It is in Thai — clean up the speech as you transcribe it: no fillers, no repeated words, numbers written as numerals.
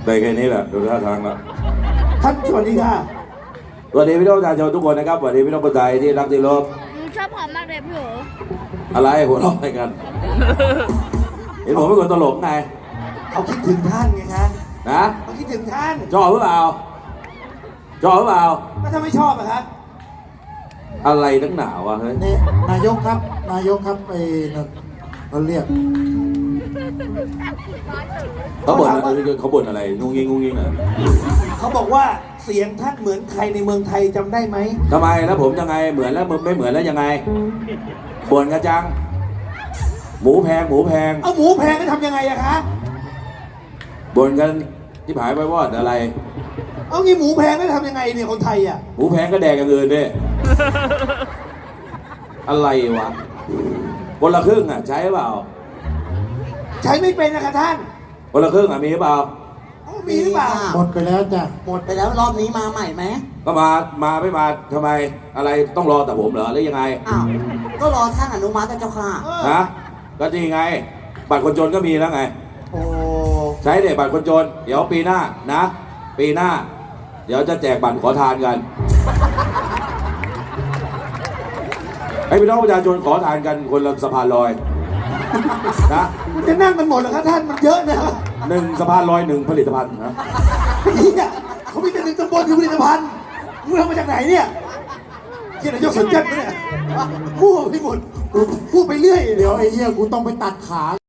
ได้แค่นี้แหละดูท่าทางแล้วท่านสวัสดีค่ะสวัสดีพี่น้องประชาชนทุกคนนะครับสวัสดีพี่น้องคนไทยที่รักที่เคารพหนูชอบหอมมากเลยพี่โออะไรหัวเราะอะไรกัน เห็นผมเป็นคนตลกไงเขาคิดถึงท่านไงคะนะเขาคิดถึงท่านชอบหรือเปล่าชอบหรือเปล่าแล้วถ้าไม่ชอบอะคะอะไรนักหนาวะเฮ้ยนี่นายกครับนายกครับไปเขาเรียกเขาบ่นอะไรเขาบ่นอะไรงุ้งงิ้งงุ้งงิ้งอ่ะเขาบอกว่าเสียงท่านเหมือนใครในเมืองไทยจำได้ไหมทำไมแล้วผมยังไงเหมือนแล้วมึงไม่เหมือนแล้วยังไงบ่นกันจังหมูแพงหมูแพงเอาหมูแพงก็ทำยังไงอะคะบ่นกันที่ผายไปวอดอะไรเอางี้หมูแพงก็ทำยังไงเนี่ยคนไทยอะหมูแพงก็แดกอย่างอื่นดิ อะไรวะคนละครึ่งอ่ะใช้เปล่าใช้ไม่เป็นนะคะท่านคนละครึ่งอ่ะมีเปล่าเอามีหรือเปล่าหมดไปแล้วจ้ะหมดไปแล้วรอบนี้มาใหม่ไหมก็มาไม่มาทำไมอะไรต้องรอแต่ผมเหรอหรือยังไงอ้าว ก็รอท่านอนุมัตินะเจ้าค่ะฮะก็จริงไง บัตรคนจนก็มีแล้วไงโอ้ใช้เด็บัตรคนจน เดี๋ยวปีหน้านะ ปีหน้า เดี๋ยวจะแจกบัตรขอทานกันให้พี่น้องประชาชนขอทานกันคนละสะพานลอยนะมันจะนั่งกันหมดเหรอคะท่านมันเยอะนะหนึ่งสะพานลอยหนึ่งผลิตภัณฑ์นะเนี่ยเขามีแต่หนึ่งตำบลอยู่ผลิตภัณฑ์มึงเอามาจากไหนเนี่ยเกี่ยนายกสนใจไหมเนี่ยพูดไปหมดพูดไปเรื่อยเดี๋ยวไอ้เหี้ยกูต้องไปตัดขา